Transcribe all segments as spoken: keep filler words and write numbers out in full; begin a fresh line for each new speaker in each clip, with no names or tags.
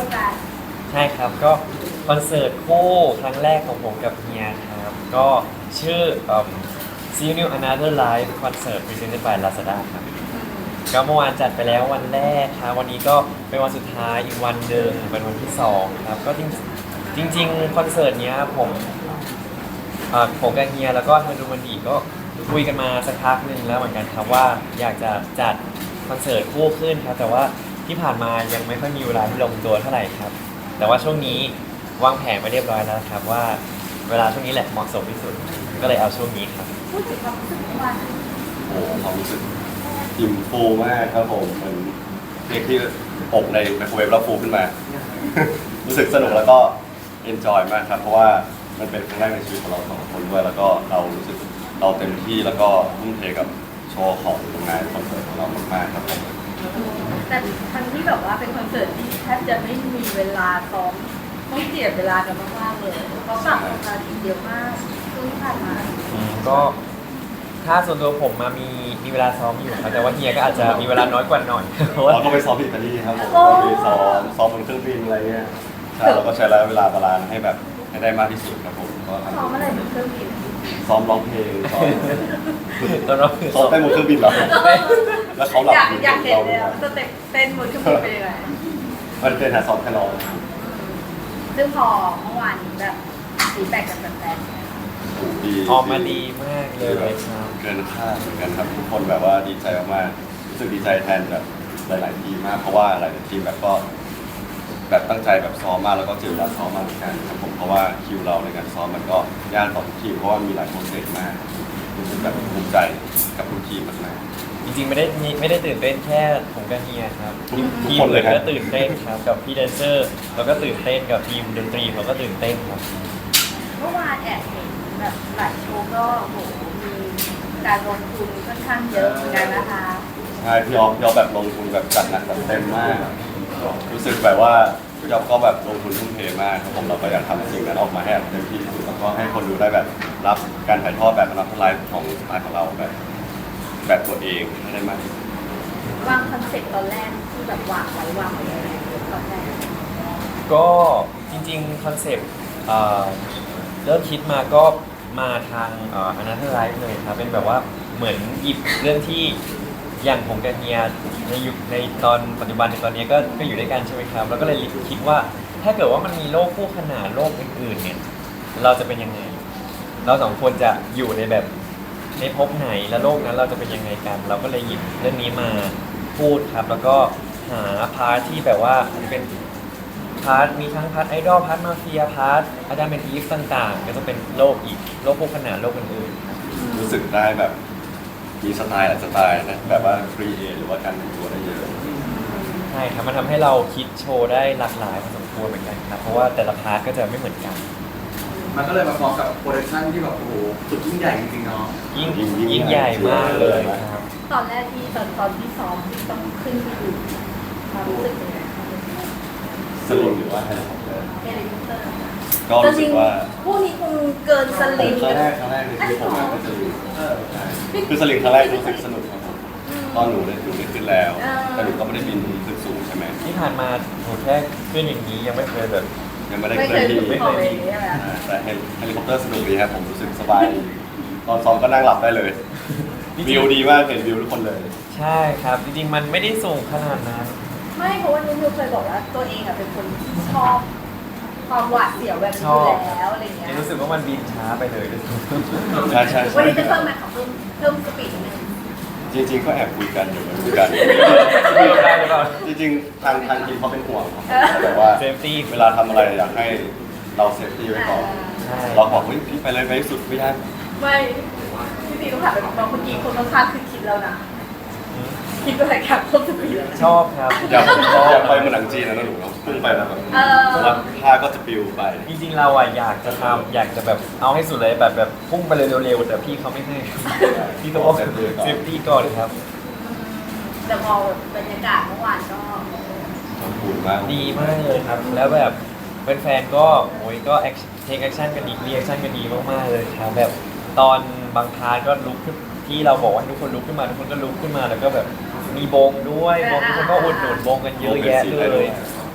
คู่กัน
ใช่ครับก็คอนเสิร์ตคู่ครั้งแรกของผมกับเฮียครับก็ชื่อเอ่อ See You Another Live Concert Presented by Lazada ครับก็เมื่อวานจัดไปแล้ววันแรกครับวันนี้ก็เป็นวันสุดท้ายอีกวันหนึ่งเป็นวันที่สองครับก็จริงจริงๆคอนเสิร์ตเนี้ยผมเอ่อผมกับเฮียแล้วก็ทางดูมันดีก็คุยกันมาสักพักหนึ่งแล้วเหมือนกันครับว่าอยากจะจัดคอนเสิร์ตคู่ขึ้นครับแต่ว่าที่ผ่านมายังไม่ค่อยมีเวลาที่ลงตัวเท่าไหร่ครับแต่ว่าช่วงนี้วางแผนมาเรียบร้อยแล้วครับว่าเวลาช่วงนี้แหละเหมาะสมที่สุดก็เลยเอาช่วงนี้ครับ
พูดถึงความรู้สึกเมื่อวาน
โอ้โหความรู้สึกอิ่มฟูมากครับผมเหมือนเค้กที่อบในไมโครเวฟแล้วฟูขึ้นมา รู้สึกสนุกแล้วก็เอนจอยมากครับเพราะว่ามันเป็นครั้งแรกในชีวิตของเราสองคนด้วยแล้วก็เรารู้สึกเราเต็มที่แล้วก็ทุ่มเทกับโชว์ของงานคอนเสิร์ตของเรามากๆครับผม
แต่ทั้งที่แบบว่าเป็นคอนเสิร์ตที่แทบจะไม่มีเวลาซ้อมต้องเจียดเวลากันมากๆเลยเพราะปรับราคาทีเดียวมากช่วงที่ผ่านมา
ก็ถ้าส่วนตัวผมมามีมีเวลาซ้อมอยู่ครับแต่ว่าเฮียก็อาจจะมีเวลาน้อยกว่าหน่อยเพราะว่า
เราก็ไปซ้อมที่อิตาลีครับผมก็ไปซ้อมซ้อมบนเครื่องบินอะไรเงี้ยใช่เราก็ใช้ระยะเวลาบาลานซ์ให้แบบให้ได้มากที่สุดครับผมก็ทำ
ซ้อมอะไรบนเครื่องบิน
ซ้อมร้องเพลงซ้อม
ตอนเรา
ซ้อมเต้นบนเครื่องบินเหรอแล้วเขาหลับ
อยากอยากเห็นเลยสเต็ปเต้นบนเครื่องบินเป็นยังไง
มันเป็นหาซ้อมแค่ร้อง
ซึ่งพอเมื่อวานนี้แบบฟีดแบ็กจากแฟน
ๆออกมาดีมากเลยครับ
เกินคาดเหมือนกันครับทุกคนแบบว่าดีใจมากๆรู้สึกดีใจแทนแบบหลายๆทีมมากเพราะว่าหลายๆทีมแบบก็แบบตั้งใจแบบซ้อมมากแล้วก็เจอเวลาซ้อมมากเหมือนกันครับผมเพราะว่าคิวเราในการซ้อมมันก็ยากต่อทุกทีมเพราะว่ามีหลายโปรเซสมากรู้สึกแบบภูมิใจกับทุกทีมมาก
จริงๆไม่ได้ไม่ได้ตื่นเต้นแค่ผมกับเฮียครับ
ทุกคนเลย
ก็ตื่นเต้นครับกับพี่แดนเซอร์แล้วก็ตื่นเต้นกับทีมดนตรีเขาก็ตื่นเต้นครับ
เมื่อวานแอบเห็นแบบหลายโชว์ก็โหมีการลงทุนค่อนข้างเยอะเหมือนกันนะคะ
ใช่พี่ออฟพี่ออฟแบบลงทุนแบบจัดหนักจัดเต็มมากรู้สึกแบบว่าพี่ออฟก็แบบลงทุนทุ่มเทมากครับผมเราก็อยากทำสิ่งนั้นออกมาให้เต็มที่ที่สุดแล้วก็ให้คนดูได้แบบรับการถ่ายทอดแบบรับไลฟ์ของสไตล์ของเราแบบแบบตัวเองให้ได้มากที่สุด
วางคอนเซ็ปต์ตอนแรกที่แบบวางไว้วางไว้ยังไงตอนแรก
ก็จริงๆคอนเซ็ปต์เริ่มคิดมาก็มาทางอนาเธอร์ไลฟ์เลยครับเป็นแบบว่าเหมือนหยิบเรื่องที่อย่างผมกับเฮียในยุคในตอนปัจจุบันในตอนนี้ก็ก็อยู่ด้วยกันใช่ไหมครับแล้วก็เลยคิดว่าถ้าเกิดว่ามันมีโลกคู่ขนานโลกอื่นๆเนี่ยเราจะเป็นยังไงเราสองคนจะอยู่ในแบบในภพไหนและโลกนั้นเราจะเป็นยังไงกันเราก็เลยหยิบเรื่องนี้มาพูดครับแล้วก็หาพาร์ทที่แบบว่าเป็นพาร์ทมีทั้งพาร์ทไอดอลพาร์ทมาเฟียพาร์ทอาจารย์เป็นอีฟต่างๆก็จะเป็นโลกอีกโลกคู่ขนานโลกอื่น
ๆรู้สึกได้แบบมีสไตล์หลายสไตล์นะแบบว่าฟรีเอหรือว่าการแต่งตัวได้เยอะ
ใช่ครับมันทำให้เราคิดโชว์ได้หลากหลายพอสมควรเหมือนกันครับเพราะว่าแต่ละพาร์ทก็จะไม่เหมือนกัน
มันก็เลยมาพร้อมกับโปรดักชั่นที่แบบโอ้โหสุดยิ่งใหญ่จริงๆเนาะ
ยิ่งยิ่งใหญ่มากเลยครับ
ตอนแรกที่ตอนตอนที่ซ้อมที่ต้องขึ้นไปดูความรู้สึกเป็นไง
สลิงหรือว่าเฮลิคอปเตอร์
เฮลิคอปเตอร์
ก็รู้สึกว่า
คู่นี้คงเกินสลิง
ครั้งแรกครั้งแรกในชีวิตผมเป็นสลิงคือสลิงครั้งแรกรู้สึกสนุกครับผมตอนหนูได้หนูได้ขึ้นแล้วแต่หนูก็ไม่ได้บินขึ้นสูงใช่ไหม
ที่ผ่านมาหนูแค่ขึ้นอย่างนี้ยังไม่เคยแบบ
ยังไม่ได้เคยที่
ไม่เคย
แต่เฮลิคอปเตอร์สนุกดีครับผมรู้สึกสบายตอนซ้อมก็นั่งหลับได้เลยวิวดีมากเห็นวิวทุกคนเลย
ใช่ครับจริงๆมันไม่ได้สูงขนาดนั้น
ไม่เพราะว่านุ่นเคยบอกว่าตัวเองอ่ะเป็นคนที่ชอบความหวาดเสียวแบบนี้อยู่แล้วอะไรเงี้ย
รู้สึกว่ามันบินช้าไปเลย
ใช่ใช่
วันนี้จะเพิ่มไหมขอเพิ่มเพิ่มสปีดนึง
จริงๆก็แอบคุยกันอยู่คุยกันจริงๆทางทางทีมเขาเป็นห่วงแต่ว่า
เซฟตี้
เวลาทำอะไรอยากให้เราเซฟตี้ไว้ก่อนเราบอกว่าพี่ไปเลยไปสุดไม่ได้
ไม่พี่ตีต้องถามไปบอกเมื่อกี้คนข้างๆคือคิดแล้วนะคิดว่าอะไรครับเพิ่มสปีด
ชอบครับ
อยากอยากไปเมืองหนังจีนนะนะหนูพุ่งไปแล้วแบบแล้วท่าก็จะปิวไป
จริงๆเราอ่ะอยากจะทำอยากจะแบบเอาให้สุดเลยแบบแบบพุ่งไปเลยเร็วๆแต่พี่เขาไม่ให้พี่ต้องบอกเซฟตี้ก่อนครับ
แต่พอบรรยากาศเมื่อวานก็
ดีมากเลยครับแล้วแบบแฟนๆก็โอ้ยก็เทคแอคชั่นกันดีรีแอคชั่นกันดีมากๆเลยครับแบบตอนบางพาร์ทก็ลุกขึ้นที่เราบอกว่าทุกคนลุกขึ้นมาทุกคนก็ลุกขึ้นมาแล้วก็แบบมีบงด้วยบงทุกคนก็อุดหนุนบงกันเยอะแยะเลย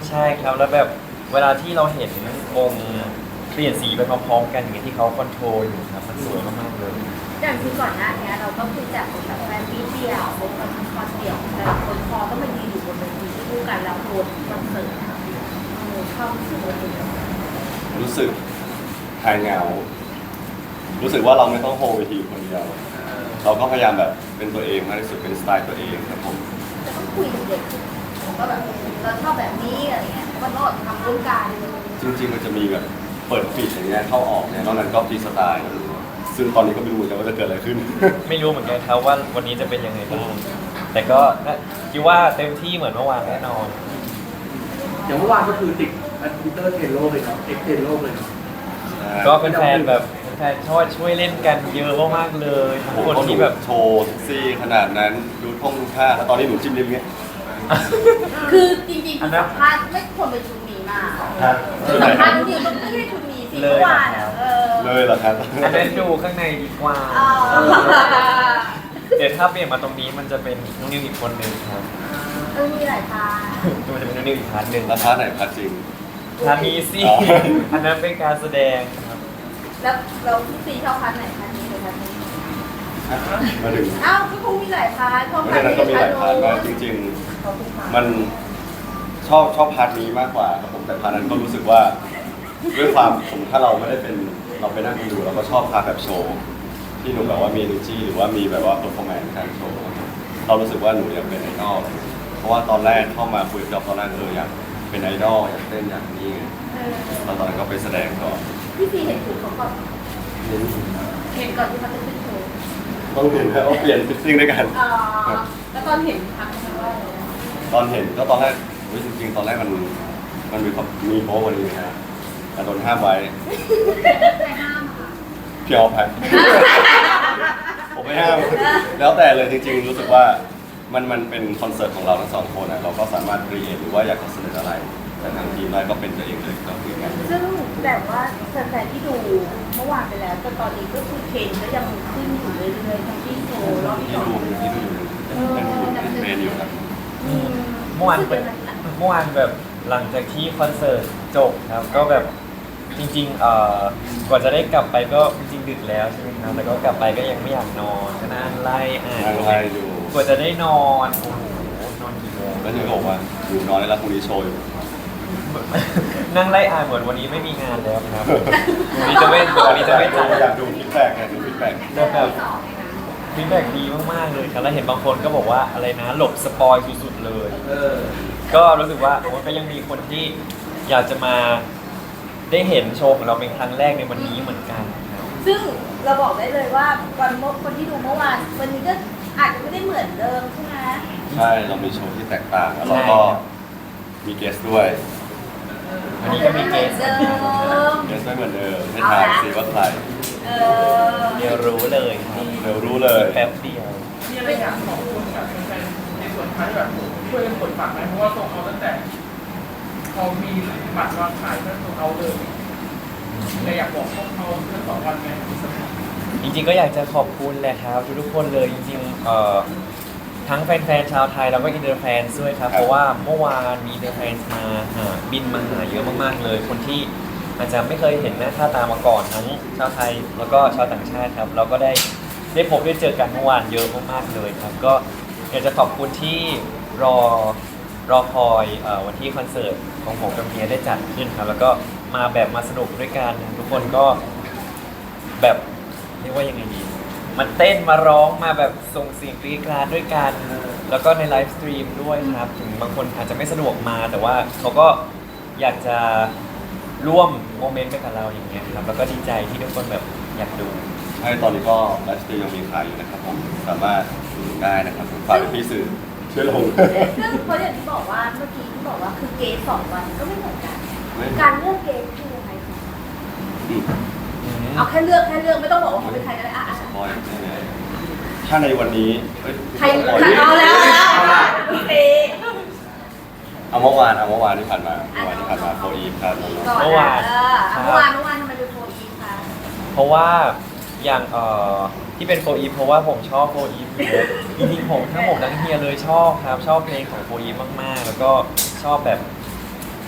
ใช่ครับแล้วแบบเวลาที่เราเห็นวงเปลี่ยนสีไปพร้อมๆกันอย่างเงี้ยที่เขาคอนโทรลอยู่ครับมันสวยมากๆเลย
อย่างที่ก่อนหน้านี้เราก็คือจากแบบแฟนมีเดียเป็นคอนคอนเดี่ยวแต่ละคนพอต้องมายืนอยู่บนเวทีคู่กันแล้วโดนคอนเสิร์ตอะเออความรู้สึกมันเป็นยังไง
รู้สึกหายเหงา รู้สึกว่าเราไม่ต้องโฮเวทีคนเดียว เราก็พยายามแบบเป็นตัวเองมากที่สุดเป็นสไตล์ตัวเองครับผม
จะต้องคุยกับเด็กว่าแบบเราชอบแบบนี้อะไรเงี้ยก็ต้องทำร่วมกัน
จริงๆมันจะมีแบบเปิดฟีดอย่างเงี้ยเข้าออกเนี่ยนอกนั้นก็ฟรีสไตล์ซึ่งตอนนี้ก็ไม่รู้เหมือนกันว่าจะเกิดอะไรขึ้น
ไม่รู้เหมือนกันครับว่าวันนี้จะเป็นยังไงบ้างแต่ก็น่าคิดว่าเต็มที่เหมือนเมื่อวานแน่นอน
อย่างเมื่อวานก็คือติดอันพิเตอร์เทรนโลกเลยเนาะเอ็กเทรนโลกเลยเนาะ
ก็เป็นแฟนแบบแฟนชอบช่วยเล่นกันเยอะมากๆเลยทุก
ผม
คน
ก็หนู
ที่แบบ
โชว์เซ็กซี่ขนาดนั้นดูท่องดูท่าแล้วตอนนี้หนูจิ้มลิ้มเงี้ย
คือจริงๆคือสัมภาษณ์ไม่ควรเป็นชุดนี้มาคือสัมภาษณ์จริงๆต้องไม่ใช่ชุดนี้สิเมื่อวานอ่ะเออ
เลยเหรอครับ
อันนั้นดูข้างในดีกว่า
อ๋อ
เดี๋ยวถ้าเปลี่ยนมาตรงนี้มันจะเป็นน้องนิวอีกคนหนึ่งครับ
เออมีหลายพาร์ท
มันจะเป็นน้องนิวอีกพาร์ทหนึ่ง
ราคาไหนพัดจริง
พาร์ทนี้สิ
อ๋อ
อันนั้นเป็นการแสดงครับ
แล้วเราพี่ซีชอบพาร์ทไหนพาร์ทนี้หรือพาร์ทนี้
มาถึง
อ้าวก็คงมีหลายพาร์ทชอบ
เพ
พา
ราะ
ร์ท
ฉะนั้น
นี้
ก็มี
หรือ
ห
พา
ลา
ร์
ย
ท
พาร์ท
โน้
นะ
น
จริง
ขอบคุณค่ะ
ๆ มันชอบชอบพาร์ทนี้มากกว่าครับผมแต่พาร์ทนั้นก็รู้สึกว่าด้วยความผมถ้าเราไม่ได้เป็นเราไปนั่งดูเราก็ชอบพาร์ทแบบโชว์ที่หนูแบบว่ามี energy หรือว่ามีแบบว่า performance ในการโชว์เรารู้สึกว่าหนูอยากเป็นไอดอลเพราะว่าตอนแรกเข้ามาคุยกับตอนแรกเอออยากเป็นไอดอลอยากเต้นอยากนี้ไง
เออ
แล้วตอนนั้นก็ไปแสดงก่อน
พี่ซีเห็นถูกเขาก่อนเห็นก่อนที่เขาจะขึ้นโชว์
ต้องเห็นแล้วเปลี่ยนฟิตติ้งด้วยกัน
อ๋อแล้วตอนเห็นทักเขาว่าอะไรนะ
ตอนเห็นก็ตอนแรกเฮ้ยจริงๆ ตอนแรกมันมันมีความมีโป๊กกว่านี้นะฮะแต่โดนห้ามไว้
ใครห้ามค่ะ
พี่ออฟครับ ผมไม่ห้าม แล้วแต่เลยจริงๆ รู้สึกว่ามันมันเป็นคอนเสิร์ตของเราทั้งสองคนนะเราก็สามารถเรียนหรือว่าอยากจะเสนออะไร แต่ทางทีมได้ก็เป็นตัวเองเลยก็คือกัน
ซึ่งแบบว่าแฟนๆที่ดูเมื่อวานไปแล้วจนตอนนี้ก็คือเทรนก็ยังขึ้นอยู่เรื่อยๆทั้งที่โชว์รอบที่
ที่
สอง
ดูที่ดูอยู่เป็นเป็นเทรนอยู่ครับ
อืม
เมื่อวานเป็นเมื่อวานแบบหลังจากที่คอนเสิร์ตจบครับก็แบบจริงๆเอ่อกว่าจะได้กลับไปก็จริงๆดึกแล้วใช่ไหมครับแต่ก็กลับไปก็ยังไม่อยากนอนก็นั่งไล่อ่าน
นั่งไล่ดู
กว่าจะได้นอนโอ้โหนอนกี่โมง
แล้วเธอก็บอกว่าอยู่นอนได้แล้วพรุ่งนี้โชว์อยู่
นั่งไล่อ่านเหมือนวันนี้ไม่มีงานแล้วครับวันนี้จะไม่วันนี้จะไม่จัด
อยากดูฟีดแบ็กอยากดูฟีดแบ็ก
แต่แบบฟีดแบ็กดีมากๆเลยครับแล้วเห็นบางคนก็บอกว่าอะไรนะหลบสปอยสุดๆเลย
เออ
ก็รู้สึกว่าโอ้ก็ยังมีคนที่อยากจะมาได้เห็นโชว์ของเราเป็นครั้งแรกในวันนี้เหมือนกันครับ
ซึ่งเราบอกได้เลยว่าวันเมื่อคนที่ดูเมื่อวานวันนี้ก็อาจจะไม่ได้เหมือนเดิมใช่ไหม
ใช่เรามีโชว์ที่แตกต่างแล้วเราก็มีเกสด้วย
วันนี้ก็มีเกส
เดิม
เกสไม่เหมือนเดิมให้ทายสิว่าใคร
เออ
เดี๋ยวรู้เลยครับ
เดี๋ยวรู้เลย
แป๊บเดียว
มีอะไรอยากขอบคุณกับแฟนๆในส่วนท้ายแบบช่วยกันกดฝากไหมเพราะว่าส่งเอาตั้งแต่พอมีบัตรวางขายก็ส่งเอาเลยแต่อยากบอกพวกเขาทั้งสองวันไหม
จริงๆก็อยากจะขอบคุณแหละครับทุกๆคนเลยจริงๆเอ่อทั้งแฟนๆชาวไทยแล้วก็อินเตอร์แฟนด้วยครับเพราะว่าเมื่อวานมีอินเตอร์แฟนมาหาบินมาหาเยอะมากๆเลย คนที่อาจจะไม่เคยเห็นหน้าค่าตามาก่อนทั้งชาวไทยแล้วก็ชาวต่างชาติครับเราก็ได้ได้พบได้เจอกันเมื่อวานเยอะมากๆเลยครับก็อยากจะขอบคุณที่รอรอคอยเอ่อวันที่คอนเสิร์ตของผมกับเมียได้จัดขึ้นครับแล้วก็มาแบบมาสนุกด้วยกันทุกคนก็แบบเรียกว่ายังไงดีมาเต้นมาร้องมาแบบส่งเสียงกรี๊ดกราดด้วยกัน แล้วก็ในไลฟ์สตรีมด้วยครับ ถึงบางคนอาจจะไม่สะดวกมา แต่ว่าเขาก็อยากจะร่วมโมเมนต์ไปกับเราอย่างเงี้ยครับ แล้วก็ดีใจที่ทุกคนแบบอยากดู
ใช่ตอนนี้ก็ไลฟ์สตรีมยังมีขายอยู่นะครับผมสามารถดูได้นะครับผมฝากพี่สื่อช่วยลง
ซึ่งเพราะอย่างที่บอกว่าเมื่อกี้ที่บอกว่าคือเกสสองวันก็ไม่เหมือนกัน
ไม่
การเลือกเกสคือยังไงคะ
อืม
เอาแค่เลือกแค่เลือกไม่ต้องบอกว่าเขาเป็นใครก็ได้อ่ะอ่ะ
สปอยล์ใช่ไหมถ้าในวันนี้เอ้ย
ใคร
สปอยล์
เอาแล้วเอาแล้วโอเค
เอาเมื่อวานเอาเมื่อวานที่ผ่านมาเมื่อวานที่ผ่านมาโฟอีฟครับ
ก่อน
เมื่อวาน
เอออ่ะเมื่อวานเมื่อวานทำไมเป็นโฟอีฟคะ
เพราะว่าอย่างเอ่อที่เป็นโฟอีฟเพราะว่าผมชอบโฟอีฟอยู่แล้วจริงๆผมทั้งผมทั้งเฮียเลยชอบครับชอบเพลงของโฟอีฟมากๆ แล้วก็ชอบแบบ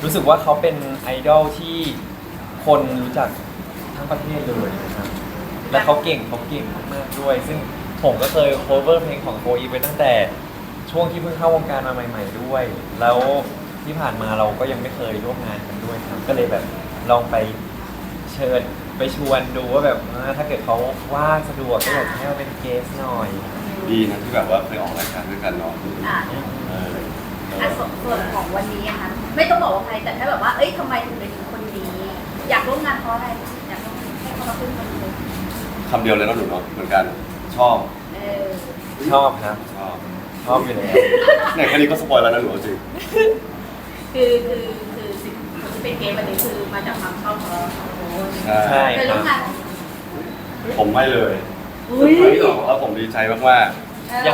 รู้สึกว่าเขาเป็นไอดอลที่คนรู้จักทั้งประเทศเลยนะครับและเขาเก่งเขาเก่งมากๆด้วย ซึ่งผมก็เคย cover เพลงของโฟอีไปตั้งแต่ช่วงที่เพิ่งเข้าวงการมาใหม่ ๆด้วย แล้วที่ผ่านมาเราก็ยังไม่เคยร่วมงานกันด้วยครับ ก็เลยแบบลองไปเชิญไปชวนดูว่าแบบเออถ้าเกิดเขาว่างสะดวกก็อยากจะให้เราเป็นเกสหน่อย
ดีนะที่แบบว่าเคยออกรายการด้วยกันเนาะ
อ่ะ
เออเอ
อ่ะ
อ
ส่วนส่วนของวันนี้อะค่ะไม่ต้องบอกว่าใครแต่แค่แบบว่าเอ้ยทำไมถึงเป็นคนนี้ อยากร่วมงานเพราะอะไรอยากร่วมงานให้เขามาขึ้นคนนี้
คำเดียวเลยเนาะหนูเนาะเหมือนกันชอบ
เออ
ชอบครับ
ชอบ
ชอบอยู่แล้ว
เนี่ยแค่นี้ก็สปอยแล้วนะหนูเอาจริง
คือคือคือสิ่งที่เป็นเกมวันนี้คือมาจากความชอบของเราสองคน
ใช่
ใช่
เคย
ค
ร่
รั
ว
บ
มงาน
ผมไม่เลย
อุ้ย
แล้วผมดีใจมาก
เออ
ยัง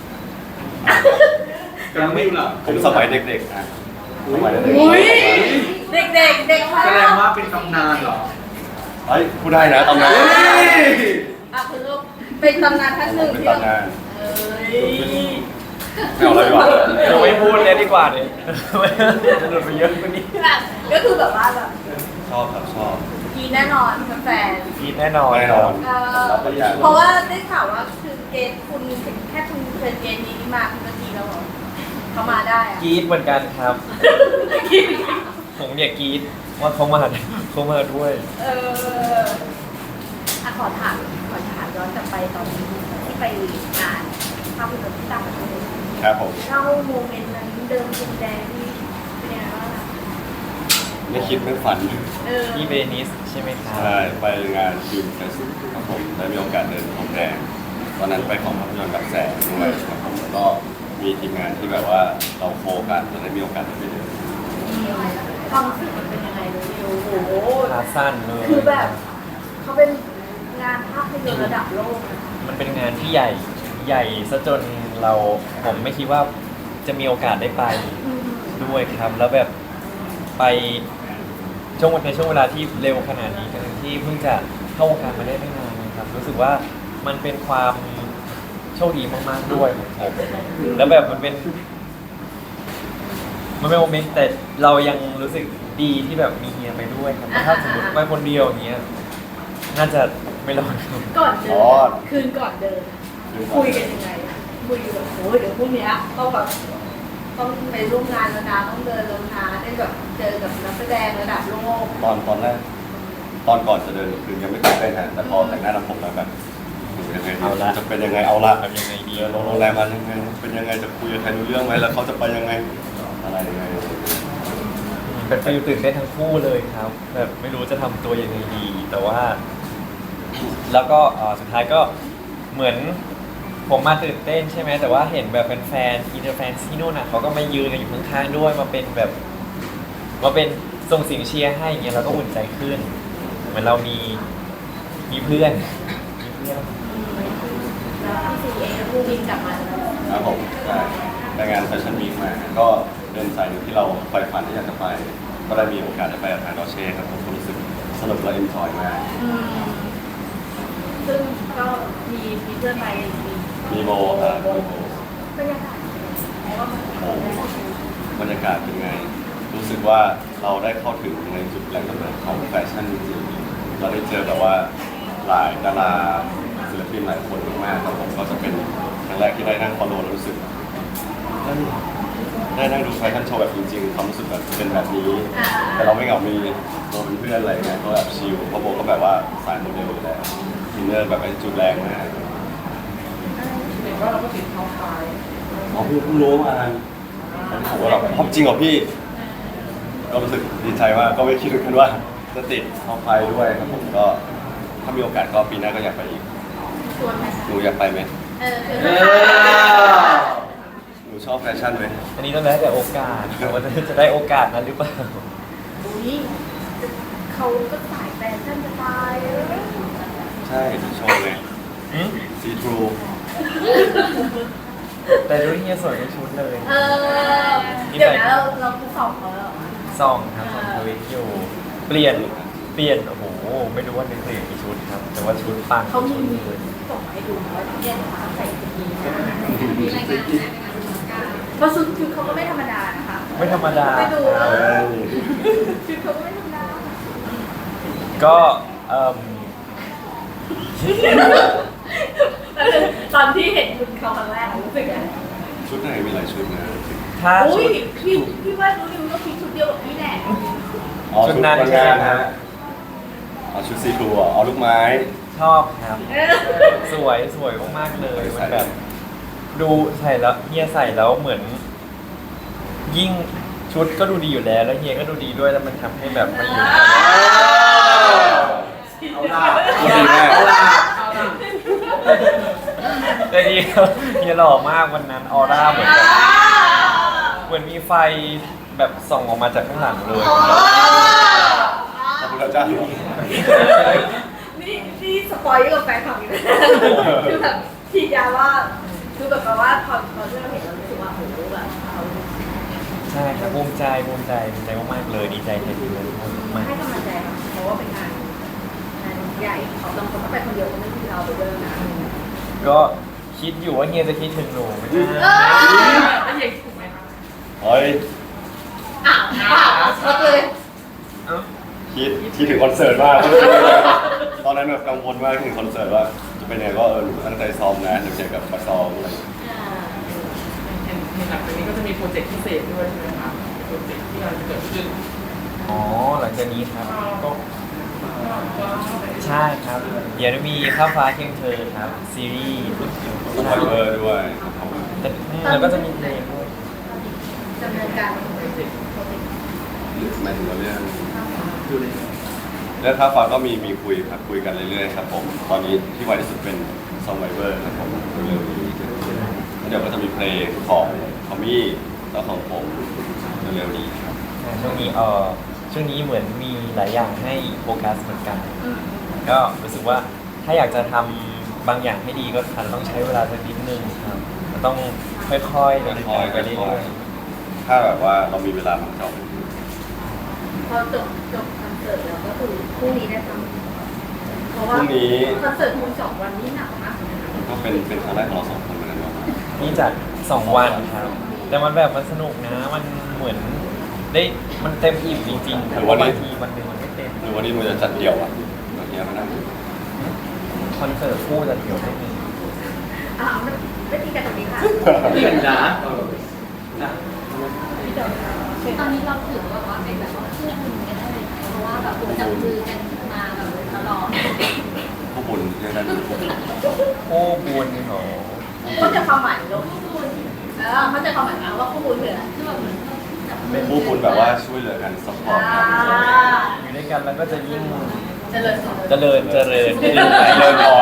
ยังไม่รู้เหรอ
ๆผมสมัยเด็กๆนะสมัยเด็ก
อุ้ย
ๆ
เด็กเด็กเด็ก
แสดงว่าเป็นตำนานเหรอ
เฮ้ยพูดได้นะตำนาน
เฮ้ย
อ่ะคือเป็นตำนานท่านหนึ่ง
เป็น
ที่เรา
ตำนาน
เอ้ย
ไม่เอาอะไรดีกว่า
เราไม่พูดเลยดีกว่าเนี่ยจะหลุดไปเยอะกว่านี้
แบบก็คือแบบว่าแบบ
ชอบครับชอบ
กีแน่นอนแฟน
พีดแน่นอน
แน่นอน
ๆเออ
รับได้อย่าง
เพราะว่าได้ข่าวว่าคือเกณฑ์คุณแค่คุณเชิญเกณฑ์นี้มาคุณก็กีแล้วเหรอเขามาได้อะ
กรีดเหมือนกันครับ ผมเนี่ยกรีดว่าเขามาเขามาด้วย
เอออะขอถามขอถามย้อนกลับไปตอนที่ไปงานภาพยนตร์ที่ต่างประเทศ
ครับผม
เล่าโมเมนต์นั้นเดิมพรมแดงที่เป็นยังไงบ้างอะ
ไม่คิดไม่ฝัน
เออ
ที่เวนิสใช่ไหมครับ
ใช่ไปงานฟิล์มเฟสครับผมได้มีโอกาสเดินพรมแดงตอนนั้นไปของภาพยนตร์กับแสงด้วยครับผมแล้วก็มีทีมงานที่แบบว่าเราโคกันเราได้มีโอกาสได้ไปเดิน
ความรู้สึกมันเป็นยังไงเลยนิวโอ้โห
ขาสั้นเลย
คือแบบเขาเป็นงานภาพยนตร์ระดับโลกนะ
มันเป็นงานที่ใหญ่ใหญ่ซะจนเราผมไม่คิดว่าจะมีโอกาสได้ไป
อืม
ด้วยครับ แล้วแบบไปช่วงในช่วงเวลาที่เร็วขนาดนี้ทั้งที่เพิ่งจะเข้าวงการมาได้ไม่นานนะครับ รู้สึกว่ามันเป็นความโชคดีมากๆด้วยของผมแล้วแบบมันเป็น มันเป็นโมเมนต์แต่เรายังรู้สึกดีที่แบบมีเฮียไปด้วยครับถ้าสมมติไปคนเดียวอย่างเงี้ยน่าจะไม่รอดครับ
ก่อนเดิ
อ๋อ
นคืนก่อนเดินคุยกันยังไงอะคุยแบบโอ้ยเดี๋ยวพรุ่งเนี้ยต้องแบบต้องไปร่วมงานแล้วนะต้องเดินแล้วนะได้แบบเจอกับนักแสดงระดับโลก
ตอนตอนแรกตอนก่อนจะเดินคือยังไม่ตื่นเต้นนะแต่พอแต่งหน้าทำผมแล้วแบบยังไงดี
เอาละ
จะเป็นยังไงเอาละ
ทำยังไงดี
เดินโรงแรมมายังไงเป็นยังไงจะคุยกับใครรู้เรื่องไหมแล้วเขาจะไปยังไงอะไรยังไง
เป็นฟิลตื่นเต้นทั้งคู่เลยครับ แบบไม่รู้จะทำตัวยังไงดี แต่ว่า แล้วก็เอ่อสุดท้ายก็เหมือนผมมาตื่นเต้นใช่ไหมแต่ว่าเห็นแบบแฟนๆอินเตอร์แฟนที่นู่นน่ะเขาก็มายืนกันอยู่ข้างๆด้วยมาเป็นแบบมาเป็นส่งเสียงเชียร์ให้อย่างเงี้ยเราก็อุ่นใจขึ้น เหมือนเรามีมีเพื่อนมีเพื่อน
แล้วพี่ซีเองก็บินกลับมาแล้ว
ครับผมใช่ไปงานแฟชั่นวีคมาก็เป็นสายหนึ่งที่เราใฝ่ฝันที่อยากจะไป ก็ได้มีโอกาสได้ไปกับทางดอเช่ครับผมก็รู้สึกสนุกและเอ็นจอยมาก
อืมซึ่งก็มีมีเพื่อนไปมี
มีโบครับมีโบบ
รรยากาศเพราะว่ามัน
โอ้บรรยากาศเป็นไง รู้สึกว่าเราได้เข้าถึงในจุดแหล่งกำเนิดของแฟชั่นจริงๆเราได้เจอแบบว่าหลายดาราศิลปินหลายคนมากๆครับผมก็จะเป็นครั้งแรกที่ได้นั่งฟอลโล่แล้วรู้สึกได้ได้นั่งดูแฟชั่นโชว์แบบจริงๆความรู้สึกแบบเป็นแบบนี้
อ่า
แต่เราไม่เหงา มีโบเป็นเพื่อนอะไรเงี้ยก็แบบชิลเพราะโบก็แบบว่าสายโมเดลอยู่แล้วอินเนอร์แบบไอ้จุดแรงมาก
เห็นว่าเราก็ติดท็อปไฟ
อ๋อพี่เพิ่งรู้มาผมก็แบบจริงเหรอพี่ ก็รู้สึกดีใจมากก็ไม่คิดเหมือนกันว่าจะติดท็อปไฟด้วยครับผมก็ถ้ามีโอกาสก็ปีหน้าก็อยากไปอีก
ชวนไหม
หนูอยากไปไหม
เออชวน
เอ
ไหม
อ
หนูชอบแฟชั่นไหม
อันนี้ต้องแล้วแต่โอกาสว่าจะจะได้โอกาสนั้นหรือเปล่า
อุ้ยเขาก็สายแฟชั่นจะตายเออ
ใช่ชอบเลย
อืม
ซีทรู
แต่ดูที่เฮียสวยในชุดเลย
เออเดี๋ยวนะเราเราคือสองเขาแล้วเหรอ
ซองครับของทวิตอยู่ เปลี่ยน เปลี่ยน โอ้โห ไม่รู้ว่านึกถึงกี่ชุดครับ แต่ว่าชุดปัง
เขามี
ชุดเลย
ส่งมาให้ดูว่าเนี่ยนะคะใส่ชุดนี้มีรายงานนะเพราะชุดชุดเขาก็ไม่ธรรมดานะคะ
ไม่ธรรมดา
ไปดู
เอ้ย
ชุดเขาก็ไม่ธรรมดา
ก็เอ่ม
ตอนที่เห็นชุดเขาครั้งแรกรู้สึกไง
ชุดไหนมีหลายชุดนะ
ถ้า
อุ้
ชุ
ย
ด
พี่พี่ว่ารู้ดิวก็คิดชุดเดียวกับพี่แหละ
อ๋อ
ชุ
ชุ
ด
ด
นั้น
วันงาน
ใช่ครั
ฮะ
บ
เอาชุดซีทรูอ่ะเอาลูกไม้
ชอบครับ
เออ
สวยสวยมากๆเลยมันแบบ ดูใส่แล้วเฮียใส่แล้วเหมือน ยิ่งชุดก็ดูดีอยู่แล้ว แล้วเฮียก็ดูดีด้วยแล้วมันทำให้แบบมันอยู่
เอาล่ะ
ดีมาก
เอาล่ะ
แต่เฮียเฮียหล่อมากวันนั้นออร่าเหมือนแบบเหมือนมีไฟแบบส่องออกมาจากข้างหลังเลย
ขอบคุณเจ้า
นี่นี่สปอยล์กับแฟนคลับอยู่นะคือแบบทียาว่าคือแบบว่าพอพอที่เราเห็นเรารู้สึกว่าโอ้โหแบบเขา
ใช่ครับภูมิใจภูมิใจภูมิใจมากๆเลยดีใจแทนทีมเลยมาก
ให้กำลังใจค่ะเพราะว่าเป็นงานงานใหญ่เขาบางคนก็ไปคนเดียวก็ไม่ที่เราไปด้วยนะ
ก็คิดอยู่ว่าเฮียจะคิดถึงหนูไหม
เอ
นะ
อ
แล้วเย็นถูกไหมคะ
เฮ้ย
อ้าวอ้าวช็อตเลย
เอ้า
คิดคิดถึงคอนเสิร์ตมาก ตอนนั้นแบบกังวลมากถึงคอนเสิร์ตว่าจะเป็นยังไงก็เออหนูตั้งใจซ้อมนะเดี๋ยวเจอกับมาซ้อมอะไรอย่างเงี้ย
เห็นเห็นหลังจากนี้ก็จะมีโปรเจกต์พิเศษด้วยใช่ไหมคะโปรเจกต์ที่กำลังจะเกิดขึ้น
อ๋อหลังจากนี้ครับก็ใช่ครับ เดี๋ยวจะมีข้าวฟ้าเคียงเธอครับ ซีรีส์
สปอยเวอร์ด้วยครับผม
แต่แล้วก็จะมีเพลงด้วย
ดำเนินการ
หมายถึงว่าเรื่อง
ดูเลย
เรื่องค่าฟ้าก็มีมีคุยครับคุยกันเรื่อยๆครับผมตอนนี้ที่ไวที่สุดเป็นซองไวเวอร์ครับผมเร็วๆนี้แล้วเดี๋ยวก็จะมีเพลงของทอมมี่แล้วของผมเร็วๆนี้ครับ
อ่าช่วงนี้เออช่วงนี้เหมือนมีหลายอย่างให้โฟกัสเหมือนกัน ก็รู้สึกว่าถ้าอยากจะทำบางอย่างให้ดีก็อาจจะต้องใช้เวลาสักนิดนึงครับมันต้องค่อยๆเดิน
ค่อยๆ
ไปเรื่
ค่อ
อย ย
ๆถ้าแบบว่าเรามีเวลามันจะเอาไป
พอจบจบคอนเสิร์ตแล้วก็คือพรุ่งนี้ได้ทำเพราะว่าคอนเสิร์ตคุณสองวันนี้หนักมาก
ก็เป็นเป็นครั้งแรกของเราสองคนเหมือนกันเนาะ
ๆนี่จัดสองวันครับ แต่มันแบบมันสนุกนะ มันเหมือนได้มันเต็มอิ่มจริงๆแต่ว่าบางทีวันหนึ่งมันไม่เต็ม
หรือวันนี้มันจะจัดเดี่ยวอ่ะอย่างเงี้ยมันนั่ง
คอนเสิร์ตคู่จะเดียวไม่มี
อ่าไม่ไม่ตีกันตรงนี้ค่ะ
เห็นนะเออนะ
ตอนนี้เราถือว่าว่าเป็นแบบว่าเพื่อนกันได้เลยเพราะว่าแบบจับมือกันมาแบบตลอด
ผู้บุญเรียกได้เป็นผู้บุญ
โอ้บุญเหรอ
เขาจะความหมายลูกเออเขาจะความหมายนะว่าคู่บุญคืออะไร
คือแบบเหมือนจับมื
เป็นผู้บุญแบบว่าช่วยเหลือกันซัพพอร์ต
อ่า
กัน
อยู่ด้วยกันแล้วก็จะยิ่ง
เจริญสุข
เจริญเจริญขึ้นไป
เดินนอน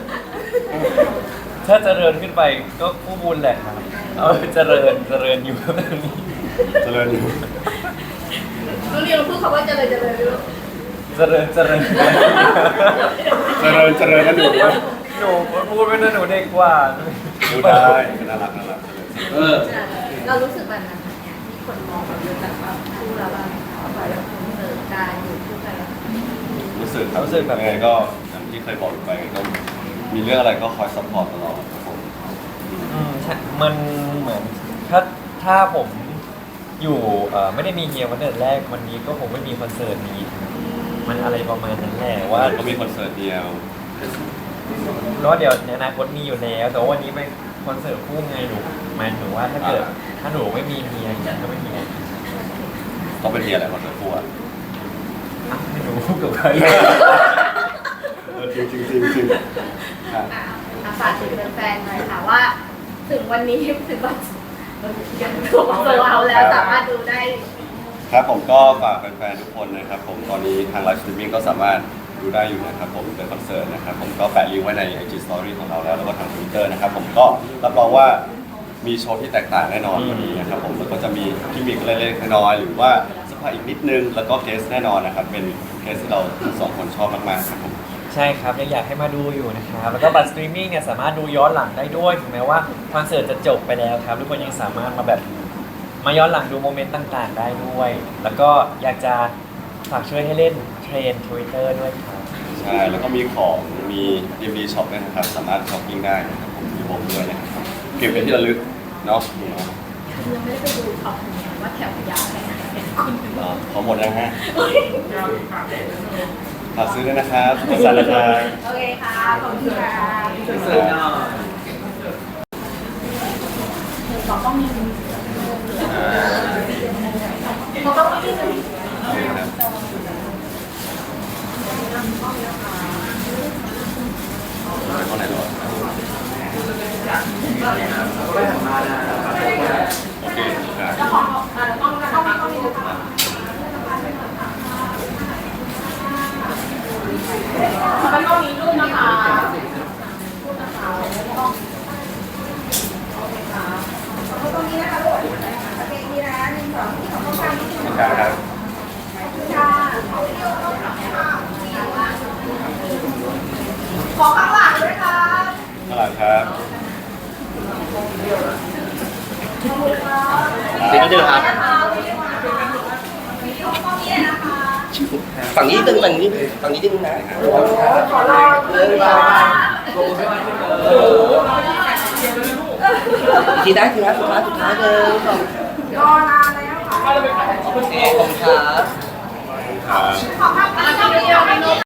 ถ้าเจริญขึ้นไปก็คู่บุญแหละครับเอาเจริญเจริญอยู่แบบนี้
เจริญอยู่
ลูกเรียนพูดคำว่าเจริญเจริญลูก
เจริญเจริญ
เจริญเจริญกันอยู่ด้วย
หนูพูดไม่ได้หนูเด็กกว่า
ดูได้น่ารักน่ารัก
เออ
เรารู้สึกแบบนั้นเนี่ยที่คนมองแบบเรื่องแบบว่าคู่เราแบบเขาแบบคอนเสิร์ตการอยู่คู่กันแล้ว
รู้สึกครับรู้สึกแบบไงก็อย่างที่เคยบอกไปก็มีเรื่องอะไรก็คอยซัพพอร์ตตลอดครับผม
อืมใช่มันเหมือนถ้าถ้าผมอยู่เอ่อไม่ได้มีเฮียวันเดินแรกวันนี้ก็คงไม่มีคอนเสิร์ตนี้มันอะไรประมาณนั้นแหละว่า
ก็มีคอนเสิร์ตเดียว
ก็เดี๋ยวในอนาคตมีอยู่แล้ว แต่ว่าวันนี้เป็นคอนเสิร์ตคู่ไงหนูหมายถึงว่าถ้าเกิดถ้าหนูไม่มีเฮียก็ไม่มีไง
ต้องเป็นเดียอะไรคอนเสิร์ตคู่อ่ะ
อ่ะไม่รู้กับใคร
เออจริงจริงจริงจริงครับ
อ่ะอ่ะฝากถึงแฟนๆหน่อยค่ะว่า ถึงวันนี้ถึงวันยังถูกโซเอาแล้วสามารถดูได้
ครับผมก็ฝากแฟนๆทุกคนนะครับผมตอนนี้ทางไลฟ์สตรีมมิ่งก็สามารถดูได้อยู่นะครับผมเป็นคอนเสิร์ตนะครับผมก็แปะลิงก์ไว้ใน ไอ จี Story ของเราแล้วแล้วก็ทาง Twitter นะครับผมก็รับรองว่ามีโชว์ที่แตกต่างแน่นอนวันนี้นะครับผมแล้วก็จะมีกิมมิคเล็กๆน้อยๆหรือว่าสปายอีกนิดนึงแล้วก็เกสแน่นอนนะครับเป็นเกสที่เราทั้งสองคนชอบมากๆครับผม
ใช่ครับยังอยากให้มาดูอยู่นะครับแล้วก็บัตรสตรีมมิ่งเนี่ยสามารถดูย้อนหลังได้ด้วยถึงแม้ว่าคอนเสิร์ตจะจบไปแล้วครับทุกคนยังสามารถมาแบบมาย้อนหลังดูโมเมนต์ต่างๆ ได้ด้วย แล้วก็อยากจะฝากช่วยให้เล่นเทรน Twitter ด้วยครับ
ใช่แล้วก็มีของมี ดี เอ็ม ดี ช็อปด้วยนะครับสามารถช้อปปิ้งได้นะครับผมมีผมด้วยนะครับเก็บเป็นที่ระลึกเนาะ
ยังไม่ได้ไปดูท็อปว่าแถวยาวแค่ไหน
อ๋อขอหมดยังฮะ
ยาวปากแดดเลย
ฝากซื้อด้วยนะครับสั่นนะครับ
โอเคค่ะ ขอบคุณค่ะ
เสิร์ฟหน่อย
สองต้องมี
อ่า
เราต้องมี
โอเคครับไปข้างไหนดีวะ
ไม่หันมานะ
โอเคครับ
เจ้าของเอ่อต้องต้องมีต้องมีนะคะมันต้องมีรูปนะคะรูปนะคะต้องโอเคค่ะตรงนี้นะคะลูกโอเคนี่นะหนึ่งสองที่ของต้องการนิดนึง
ขอบคุณครับ
ค่ะขอข้างหลังด้วยค่ะ
ข้างหลังครับ
นี่ก็เจอครับ ฝั่งนี้ตึงฝั่งนี้ฝั่งนี้ตึงนะ
ขอรอเลยค่ะ
ทีได้ทีนะสุดท้ายสุดท้ายเลยขอบ
รอนานแล้วค่ะ
คุณครับ
ครับ
ขอภาพนี้เดียว